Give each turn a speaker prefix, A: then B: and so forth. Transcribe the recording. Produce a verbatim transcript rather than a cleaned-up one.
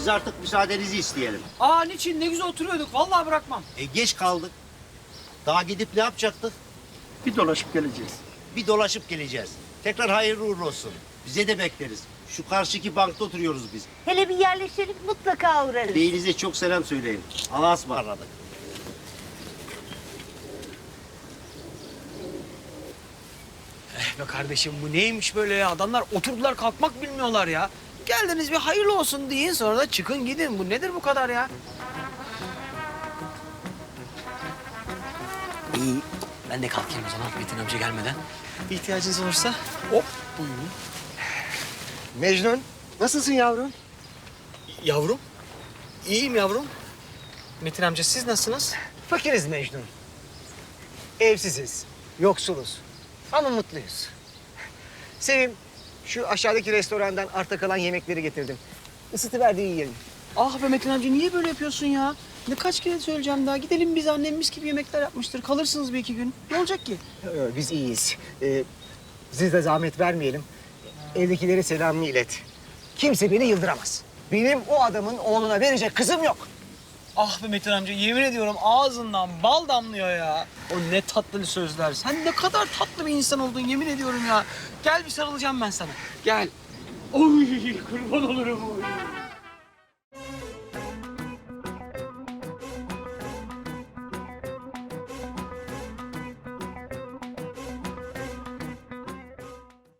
A: Biz artık müsaadenizi isteyelim.
B: Aa niçin? Ne güzel oturuyorduk. Vallahi bırakmam.
A: E geç kaldık. Daha gidip ne yapacaktık?
C: Bir dolaşıp geleceğiz.
A: Bir dolaşıp geleceğiz. Tekrar hayırlı uğurlu olsun. Bize de bekleriz. Şu karşıki bankta oturuyoruz biz.
D: Hele bir yerleşelim mutlaka uğrarız.
A: Beyinize çok selam söyleyin. Allah'a ısmarladık.
B: Eh be kardeşim bu neymiş böyle ya? Adamlar oturdular kalkmak bilmiyorlar ya. Geldiniz bir hayırlı olsun deyin sonra da çıkın gidin. Bu nedir bu kadar ya? İyi. Ben de kalkayım o zaman Metin amca gelmeden. İhtiyacınız olursa hop buyurun.
E: Mecnun, nasılsın yavrum?
B: Yavrum. İyiyim yavrum. Metin amca siz nasılsınız?
E: Fakiriz Mecnun. Evsiziz, yoksuluz ama mutluyuz. Sevim, şu aşağıdaki restorandan arta kalan yemekleri getirdim. Isıtıver de yiyelim.
B: Ah be Metin amca niye böyle yapıyorsun ya? Ne kaç kere söyleyeceğim daha. Gidelim biz annemiz gibi yemekler yapmıştır. Kalırsınız bir iki gün. Ne olacak ki?
E: Ee, Biz iyiyiz. Ee, siz de zahmet vermeyelim. Evdekilere selamını ilet. Kimse beni yıldıramaz. Benim o adamın oğluna verecek kızım yok.
B: Ah be Metin amca yemin ediyorum ağzından bal damlıyor ya. O ne tatlı sözler. Sen ne kadar tatlı bir insan oldun yemin ediyorum ya. Gel bir sarılacağım ben sana. Gel. Oy kurban olurum oy.